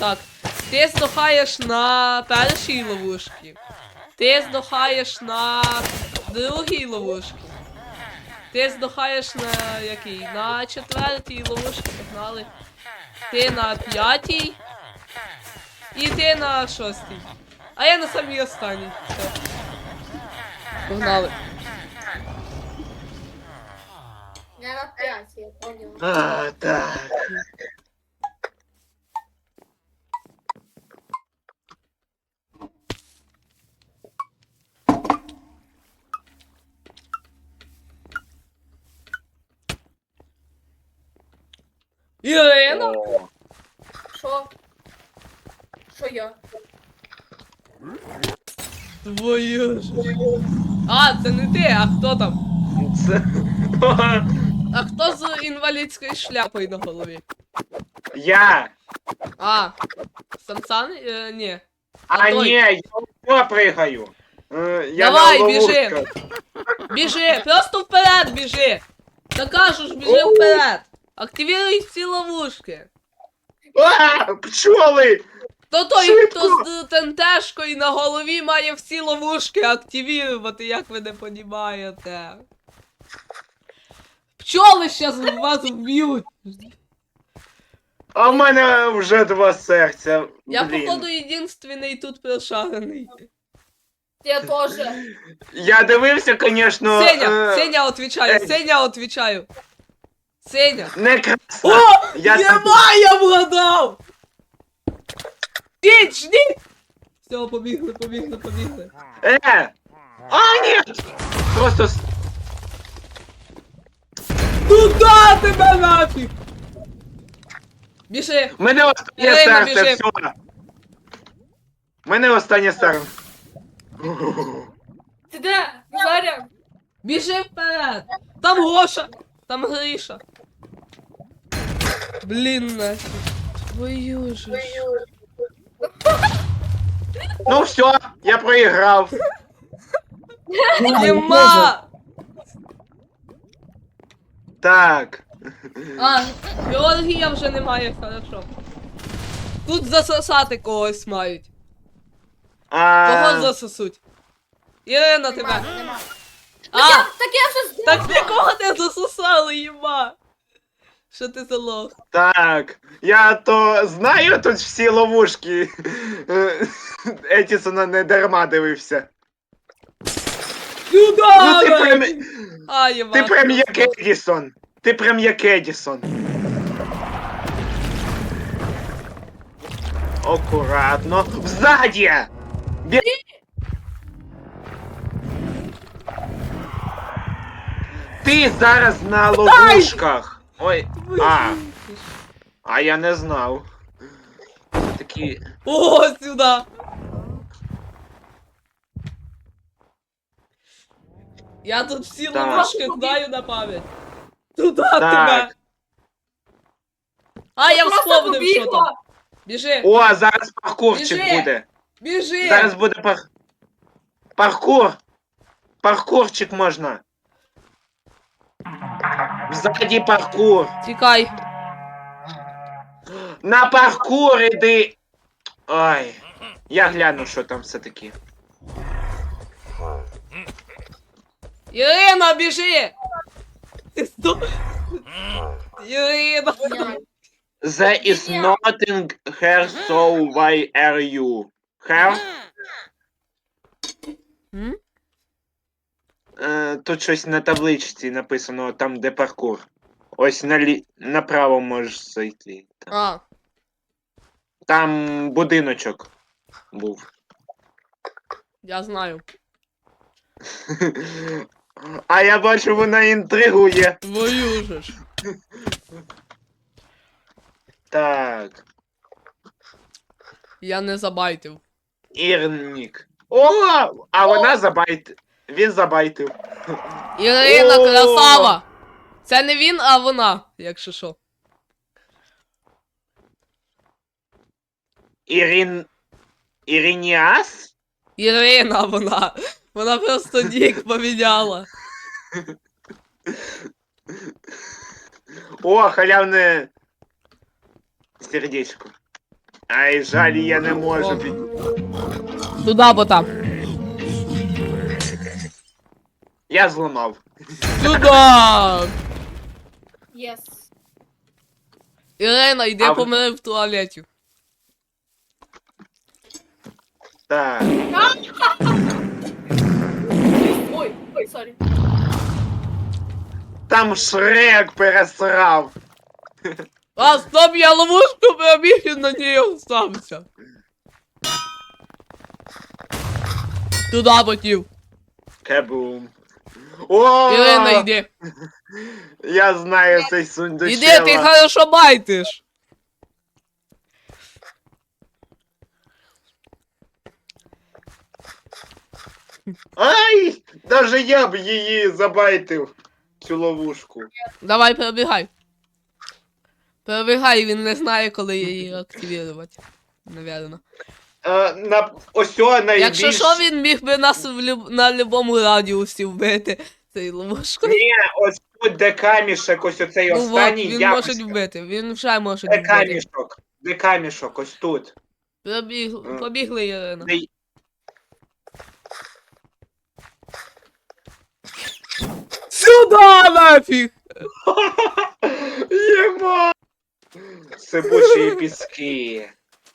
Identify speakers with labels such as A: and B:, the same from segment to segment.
A: Так. Ти здохаєш на першій ловушці. Ти здохаєш на другій ловушці. Ти здохаєш на якій? На четвертій ловушці, погнали. Ти на п'ятій. І ти на шостій. А я на самій останній. Все. Погнали.
B: Я на 5, я понял.
C: А, так.
A: Ірина?
C: О,
B: Що? Що я?
A: Твою ж. А, це не ти, а хто там?
C: це...
A: А хто з інвалідською шляпою на голові?
C: Я!
A: А, Сансан? Ні.
C: А
A: той.
C: ні, я пригаю. Я
A: Давай,
C: на
A: біжи.
C: ловушках.
A: Біжи, просто вперед біжи. Та кажу ж, біжи вперед. Активіруй всі ловушки.
C: А, пчоли!
A: То той,
C: Швидко.
A: хто з тентешкою на голові має всі ловушки активірувати, як ви не понімаєте. Пчоли щас вас вб'ють.
C: А в мене вже 2 серця.
A: Я,
C: Блін.
A: походу, єдинственний тут прошарений.
B: Я теж.
C: Я дивився, звісно.
A: Сеня отвечаю, Сеня отвечаю. Сеня.
C: Не краса.
A: О,
C: Я
A: єма, я вгадав! Ждіть, ждіть! Все, побігли, побігли, побігли.
C: А, ні! Просто...
A: Туда тебе нафіг! Біжи!
C: В мене останнє
A: Ірина,
C: серце,
A: біжи.
C: все. В мене останнє серце.
B: Ти де? Заря?
A: Біжи вперед! Там Гоша! Там Гриша! Блін, нафіг. Твою ж.
C: Ну все, я проіграв.
A: Нема!
C: Так.
A: А, Георгія вже немає, хорошо. Тут засосати когось мають. Кого засосуть? Ірина, тебе.
B: Нема.
A: А,
B: Так я вже здох.
A: так нікого не засосали, їма. Що ти за лох?
C: Так. Я то знаю тут всі ловушки. Етісона не дарма дивився.
A: Сюда!
C: Ну ти прям,
A: А, їма.
C: ти прям як Едісон. Ти прям як Едісон. Акуратно. Взаді! Ти зараз на ловушках. Ой. А я не знав. Такі.
A: О, сюда! Я тут всі
C: Так.
A: ловушки знаю на пам'ять. Туда
C: Так.
A: тебе! А, я
B: Просто
A: вспомнив, що
B: побігла.
A: там. Біжи!
C: О, зараз паркурчик
A: Біжи.
C: буде.
A: Біжи!
C: Зараз буде паркур. Паркурчик можна. Ззаді паркур.
A: Тікай.
C: На паркур іди. Ой. Я гляну, що там все-таки.
A: Ірина, біжи! Ти сто... Ірина!
C: There is nothing here, so why are you? Here?
A: М?
C: Тут щось на табличці написано, там де паркур. Ось направо можеш зайти.
A: А,
C: Там будиночок був.
A: я знаю.
C: А я бачу, вона інтригує.
A: Твою же ж.
C: Так.
A: Я не забайтив.
C: Ірнік. О! А вона забайтив. Він забайтив.
A: Ірина,
C: О!
A: красава! Це не він, а вона, якщо що.
C: Ірініас?
A: Ірина вона. Вона просто нік поміняла.
C: О, халявне сердечко. Ай, жаль, я не можу під...
A: Туда, бо там.
C: Я зламав.
A: Туда!
B: Єс.
A: Ірина, йди
C: А ви-
A: помири в туалеті.
C: Так.
B: Ой, сорі.
C: Там Шрек пересрав.
A: А, стоп, я ловушку пробіг і на ній остався. Туда ботів.
C: Кабум. О!
A: Ірина, йди.
C: Я знаю цей сундучок.
A: Іди, ти хорошо байтиш.
C: Ай! Даже я б її забайтив. Цю ловушку.
A: Давай, перебігай. Перебігай, він не знає, коли її активувати. Навірно.
C: Ось о, найбільш...
A: Якщо що, він міг би нас на любому радіусі вбити цією ловушкою.
C: Ні, ось тут де камішек, ось оцей
A: Ну от,
C: останній
A: він
C: якось.
A: може вбити, він вже може
C: Де
A: вбити.
C: камішок? Де камішок? Ось тут.
A: Побігли, Ірина.
C: Де...
A: Сюда нафіг!
C: Єма! Сипучі піски.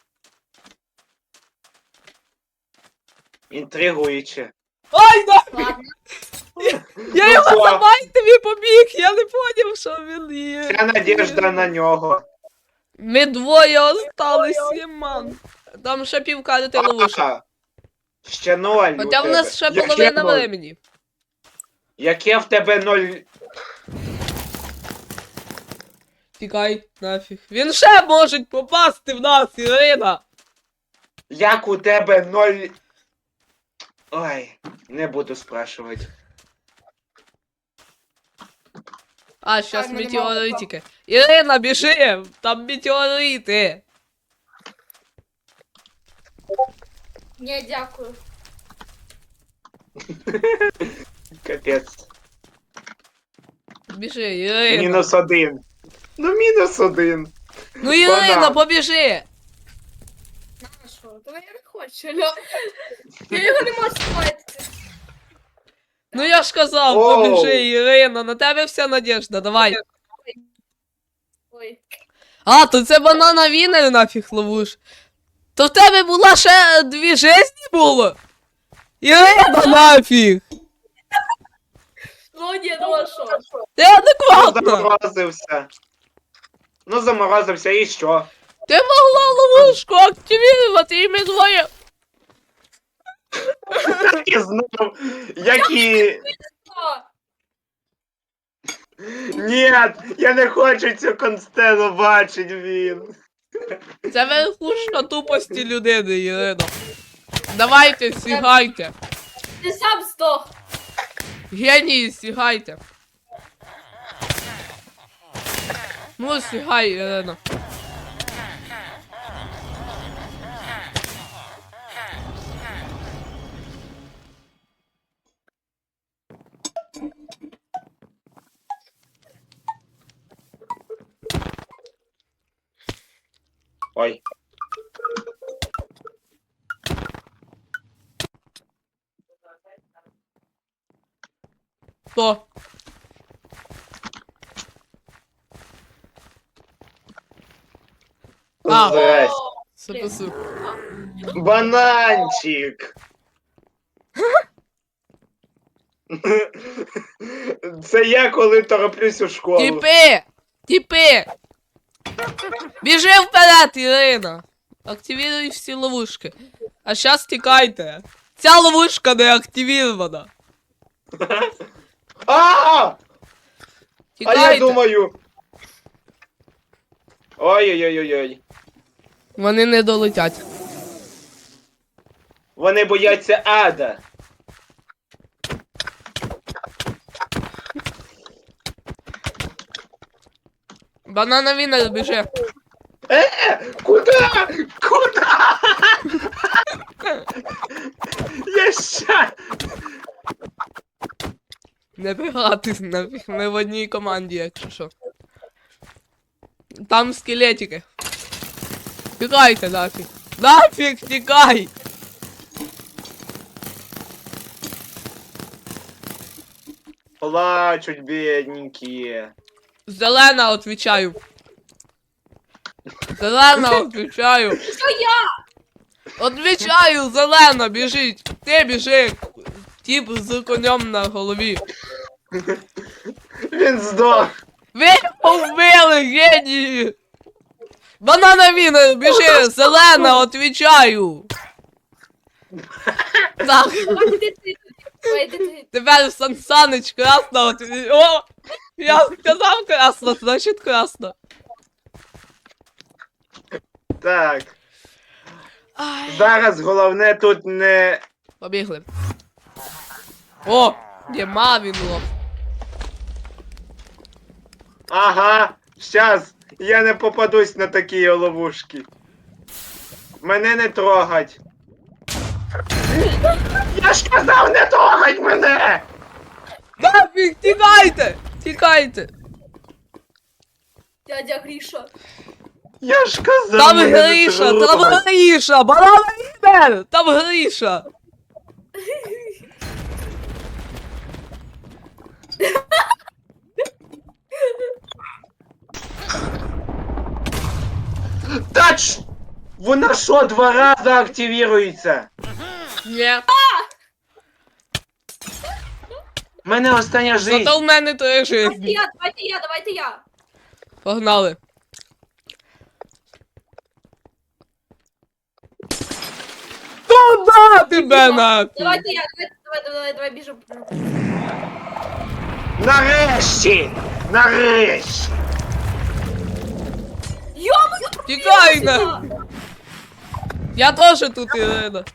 C: Інтригуюче.
A: Ай, нафіг!
B: Ладно.
A: Я
C: Ну
A: його
C: що?
A: забайтив і побіг, я не поняв, що він є.
C: Вся надіжда на нього.
A: Ми двоє остались, Єман. Там ще півкарти ловушок.
C: Ага. Ще 0 у
A: Хоча в
C: тебе.
A: нас ще
C: Яке
A: половина
C: 0?
A: времени.
C: Яке в тебе 0?
A: Тікай, нафіг. Він ще може попасти в нас, Ірина.
C: Як у тебе 0? Ой, не буду спрашувати.
A: А, щас
B: Так, мене
A: метеоритики. Ірина, біжи! Там метеорити.
B: Ні, дякую.
C: Капець.
A: Біжи, Ірина.
C: -1. Ну, -1.
A: Ну, Ірина,
C: Банан.
A: побіжи.
B: На що? Та я не хочу, алло. Я його не можу спати.
A: Ну я ж казав,
C: Оу.
A: побіжи, Ірина, на тебе вся надежда, давай.
B: Ой.
A: А, то це банана вінер нафіг ловуш. То в тебе була ще 2 жизні було? Ірина, нафіг!
B: Ну ні, ну а що?
A: Ти
C: Ну,
A: адекватно!
C: заморозився. Ну, заморозився, і що?
A: Ти могла ловушку активувати, і ми двоє.
C: Так і знав, які...
B: А,
C: Ні, я не хочу цю констелу бачить він.
A: Це верхушка тупості людини, Ірина. Давайте, сігайте.
B: ти сам здох.
A: Генії, сігайте. Ну, сігай, Ірина.
C: Ой.
A: Хто? А.
C: Здрасте.
A: Супер.
C: Бананчик. Це я, коли тороплюсь у школу.
A: Тіпи! Тіпи! Біжи вперед, Ірина! Активіруй всі ловушки. А щас тікайте. Ця ловушка не активірована.
C: А я
A: Тікайте.
C: думаю. Ой-ой-ой-ой.
A: Вони не долетять.
C: Вони бояться ада.
A: Банана Вінер, біжи.
C: Куда? Куда? Я ща.
A: Не бігати нафіг, ми в одній команді, якщо що. Там скелетики. Тікайте нафіг. Нафіг тікай!
C: Плачуть бідненькі.
A: Зелена, отвечаю. Зелена, отвечаю.
B: Що я?
A: Отвечаю, зелена, біжить. Ти біжи. Тіп з конем на голові.
C: Він здох.
A: Ви вбили, генії! Банана він, біжи, зелена, отвечаю. Так,
B: Давай йди ти. Давай йди ти.
A: тепер Сан Санич красно отвечаю. О! Я сказав красно, значить красно.
C: Так,
A: Ай.
C: зараз головне тут не...
A: Побігли. О! Нема він лох.
C: Ага, щас, я не попадусь на такі ловушки. Мене не трогать. Я ж казав, не трогать мене!
A: Нафіг, тікайте! Тікайте!
B: Дядя Гріша.
C: Я ж казав,
A: Там
C: мене не
A: Гріша, там
C: трогать.
A: Гріша! Банана Ібер! Там Гріша!
C: Тач! Вона що, 2 рази активірується?
A: Ні.
C: У мене остання жизнь.
A: Зато в мене 3
B: Давайте
A: жизни.
B: я, давайте я, давайте я.
A: Погнали. Туда тебе нафіг!
B: Давайте я, давай, біжу.
C: Нарешті! Нарешті!
B: Йо-моє,
A: Тікай
B: сюди.
A: на! Я теж тут, Ірина.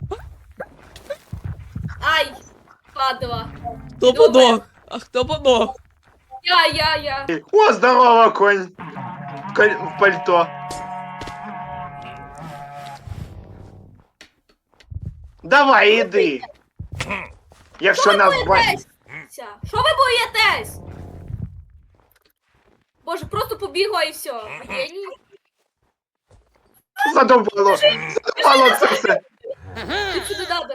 B: Ай, падла.
A: Хто подох? А хто подох?
B: Я.
C: О, здорово, конь! В пальто. Давай, іди. Якщо нас бачить.
B: боїтесь? Що ви боїтесь? Боже, просто побігла і все. Геній.
C: Задовбало. Задовбало це все.
B: Ти сюди надо.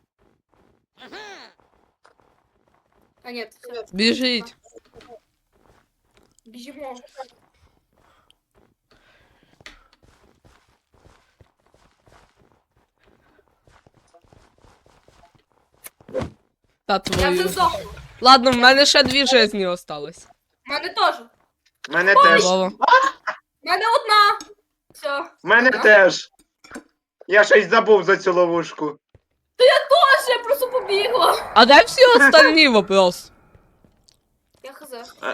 B: А нет, все,
A: Біжіть.
B: біжимо.
A: Та
B: Я
A: твою.
B: вже здохла.
A: Ладно, в мене ще 2 жизни осталось.
B: Мене теж.
C: Мене теж.
A: Вова.
B: Мене одна. Все.
C: Мене теж. Я щось забув за цю ловушку.
B: Боже, я просто побігла.
A: А де всі остальні вопрос?
B: Я хз.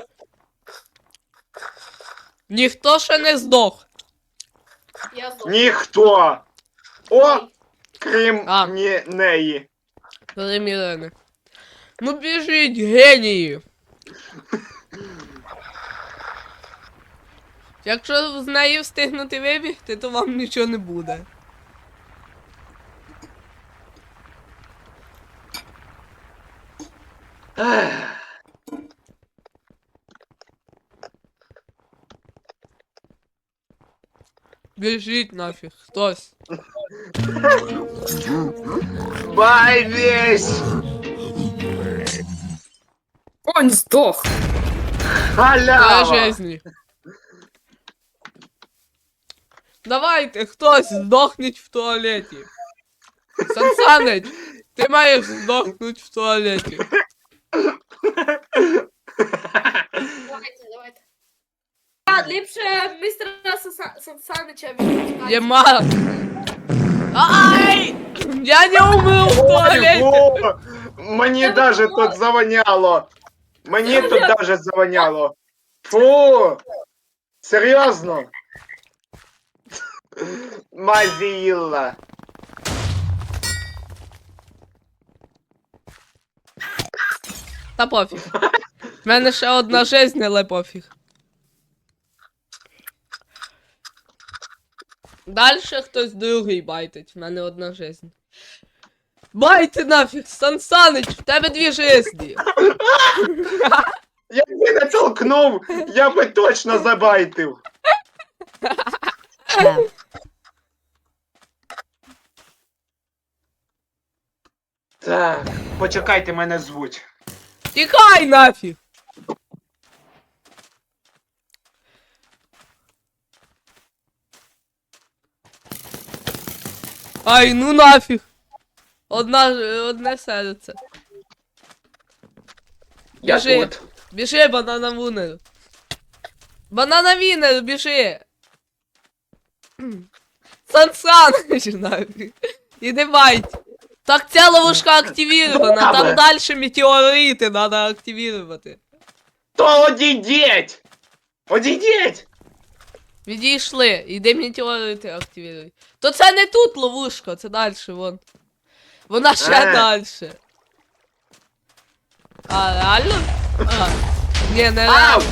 A: Ніхто ще не здох.
B: Я здохла.
C: Ніхто. О, крім
A: А.
C: неї.
A: Крім Ірини. Ну біжіть, генії. Якщо з неї встигнути вибігти, то вам нічого не буде.
C: Ех.
A: Біжіть нафіг, хтось.
C: Бай весь.
D: Он сдох.
A: Для
C: Халява.
A: жизни. Давайте, хтось здохніть в туалеті. Сансанич, ти маєш здохнути в туалеті.
B: Давайте. А, ліпше містера Сансанича відпускати.
A: Єма. Ай! Я не умив в туалеті.
C: Ого! Мені даже тут завоняло. Мені тут даже завоняло. Фу! Серйозно? Мазіла.
A: Та пофіг. В мене ще одна жизнь, але пофіг. Дальше хтось другий байтить. В мене одна жизнь. Байте нафіг, Сансанич, в тебе 2 жизні.
C: Якби не толкнув, я би точно забайтив. Так, почекайте, мене звуть.
A: Тікай нафіг! Ай, ну нафіг! Одне серце.
C: Я
A: Біжи.
C: тут.
A: Біжи, банана вунер. Банана вінер, біжи. Сан-Саныч, нафіг. Іди бать. Так ця ловушка активірована, там далі метеорити треба активувати.
C: То одійдіть! Одійдіть!
A: Відійшли, іди метеорити активіруй. То це не тут ловушка, це далі, вон. Вона ще далі. А, реально? А. Не, не реально.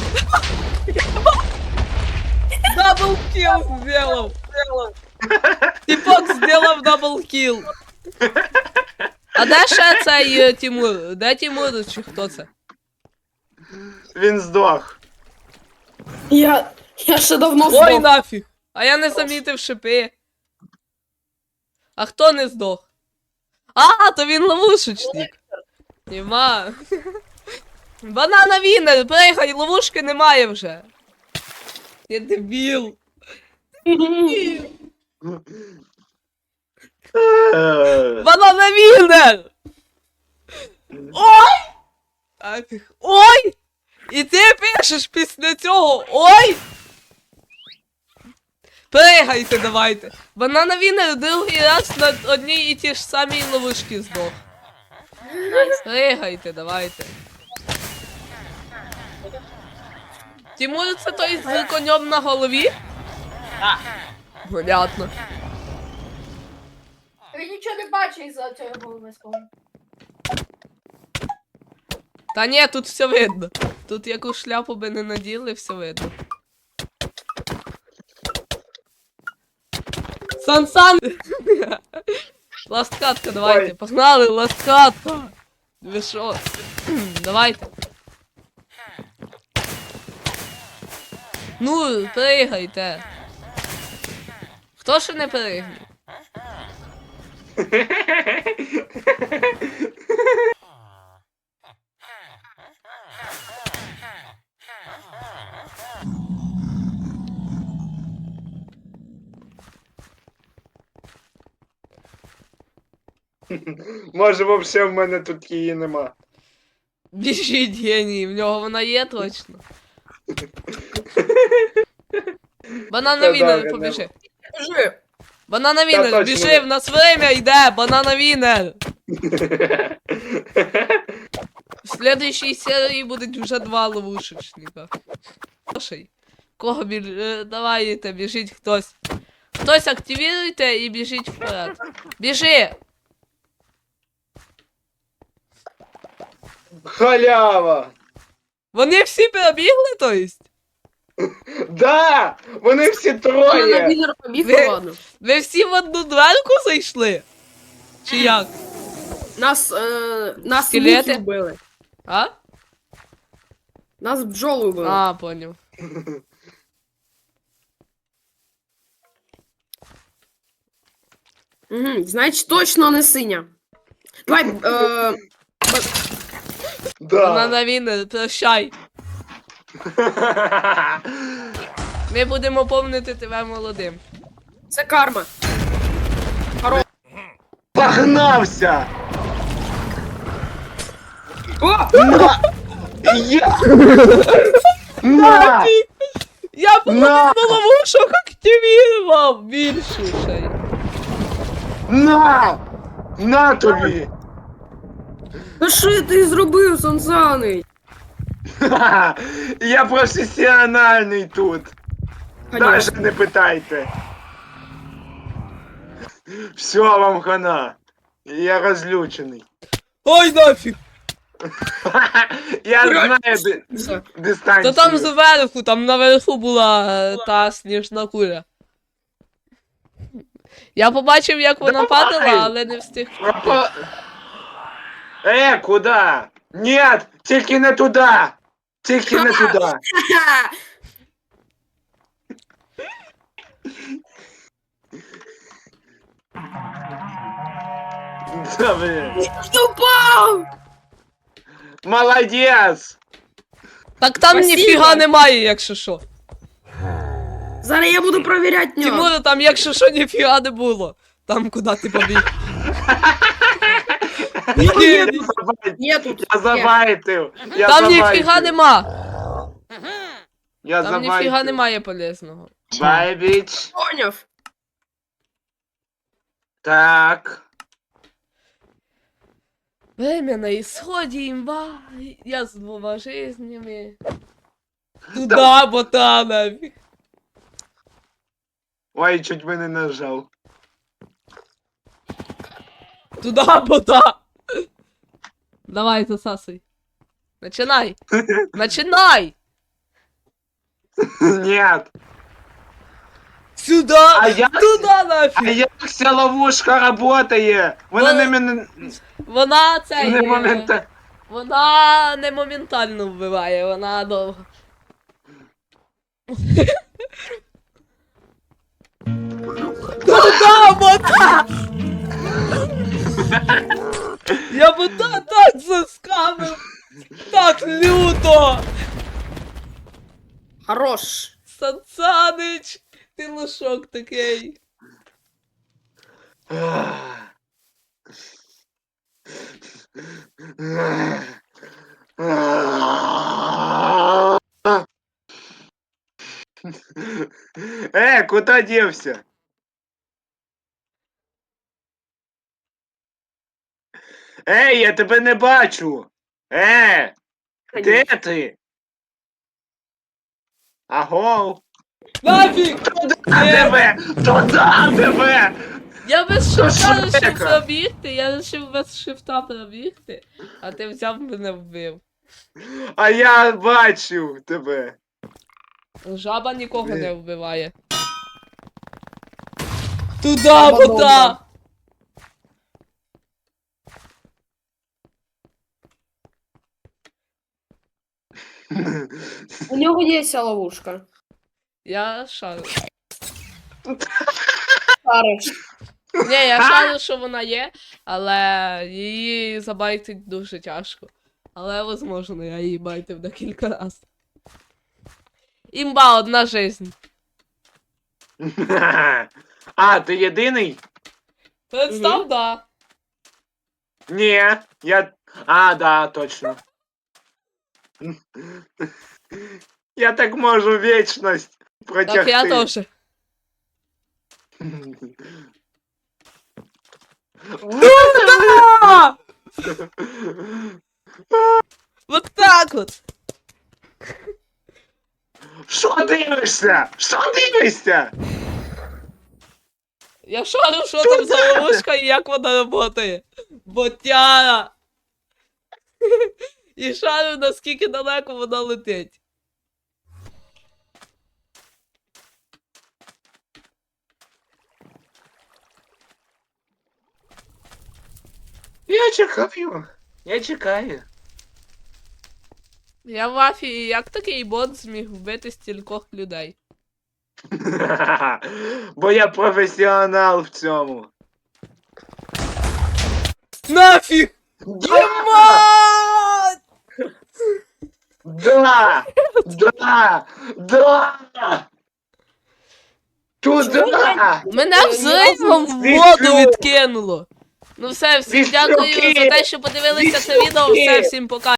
A: Даблкил сделал. Типок сделав даблкил. А де ще цей Тимур? Де Тимур чи хто це?
C: Він здох.
D: Я ще давно
A: Ой,
D: здох.
A: нафіг. А я не замітив шипи. А хто не здох? А, то він ловушечник. Нема. Банана вінер, пригай, ловушки немає вже. Я дебіл. Банана вінер! Ой! Нафіг. Ой! І ти пишеш після цього. Ой! Пригайте давайте. Банана вінер другий раз на одній і ті ж самій ловушки здох. Пригайте, давайте. Тимур, це той з конем на голові? Так. Понятно.
B: Він нічого не бачить із-за цього голови.
A: Та ні, тут все видно. Тут яку шляпу би не наділи, все видно. Сан-сан! Ласткатка, давайте.
C: Ой.
A: Погнали, ласткатка! Ви шо? Давайте. Ну, пригайте. Хто ще не пригне?
C: Може, вообще в мене тут її нема.
A: Біжіть, геній, в нього вона є точно. Банана
C: Та
A: вінер,
C: да,
A: побіжи.
D: Біжи.
A: Банана вінер,
C: точно.
A: біжи, в нас время йде, банана вінер. В следующій серії будуть вже 2 ловушечника. Слушай, кого давайте, біжіть хтось. Хтось активіруйте і біжіть вперед. Біжи!
C: Халява!
A: Вони всі перебігли, то есть?
C: Да! Вони всі
D: На
C: троє!
D: вінер побіг,
A: Ви-
D: ладно.
A: Ви всі в одну дверку зайшли? Чи як?
D: Нас
A: Скелети?
D: мухи вбили.
A: А?
D: Нас бджоли вбили.
A: А, понял.
D: Угу, значить точно не синя. Давай,
C: Да.
A: Банана вінер, прощай. Ми будемо помнити тебе молодим.
D: це карма.
C: Погнався!
D: О!
C: На! Я! На!
A: Я
C: На!
A: половину ловушок активував більше ще й.
C: На! На тобі!
D: Та що ти зробив, Сансаний?
C: Ха-ха! Я професіональний тут! Даже не питайте! Все вам хана! Я розлючений.
A: Ой, нафіг!
C: Я знаю
D: Все.
C: дистанцію.
A: Та там зверху, там наверху була та сніжна куля. Я побачив, як вона
C: Давай!
A: падала, але не встиг.
C: Куда? Нет, тільки не туди! Тільки не туди!
D: Ха-ха!
C: Да, блин.
D: Я упав!
C: Молодец!
A: Так там
D: Спасибо.
A: ніфіга немає, якщо що.
D: Зараз я буду провіряти нього.
A: Тимура, там якщо що ніфіга не було. Там куди ти побіг.
C: Я
A: Ні,
D: Є тут.
C: Я забайтив. Я
A: там
C: забайтив.
A: ніфіга нема.
C: Я
A: Там ніфіга немає полезного.
C: Бай, біч.
D: Поняв.
C: Так.
A: Время на исходе, имба. Я с 2 жизнями.
C: Да.
A: Туда, бота, нафиг.
C: Ой, чуть би не нажав.
A: Туда, бота. Давай, засасывай. Начинай. Начинай.
C: Нет.
A: Сюда.
C: А як,
A: Туда,
C: а
A: нафиг.
C: як ця ловушка работає? Вона не мене...
A: Вона цей.
C: Не момента...
A: Вона не моментально вбиває, вона довго. Туда, бота! Я бота так заскамив! Так люто!
D: Хорош.
A: Сансанич! Ти лошок такий.
C: Куда девся? Я тебе не бачу. Де ти? Аго?
A: Нафіг!
C: Туда тебе! Туда тебе!
A: Я без шифта
C: Що
A: лишив
C: таке?
A: пробігти, я лишив без шифта пробігти, а ти взяв мене вбив.
C: А я бачив тебе.
A: Жаба нікого не вбиває. Туда,
D: Жаба
A: бота!
D: добра. У нього є ця ловушка.
A: Я шарю.
D: Шариш.
A: Ні, я шарю, що вона є, але її забайтить дуже тяжко. Але возможно, я її байтив декілька раз. Імба, 1 жизнь.
C: А, ти єдиний?
A: Представ, да.
C: Ні, я... А, да, точно. Я так можу вічність протягти.
A: Так я теж. Да! Вот так от.
C: Що дивишся? Що дивишся?
A: Я шарю, що там за ловушка і як вона працює. Ботяра. І шарю, наскільки далеко вона летить.
C: Я чекаю. Я чекаю.
A: Я в афії, як такий бот зміг вбити стількох людей?
C: Бо я професіонал в цьому.
A: Нафіг! Ємать!
C: Да! Да! Да! Туда!
A: Мене взривом в воду відкинуло. Ну все, всім
C: Віслюки!
A: дякую за те, що подивилися це відео. Все, всім пока.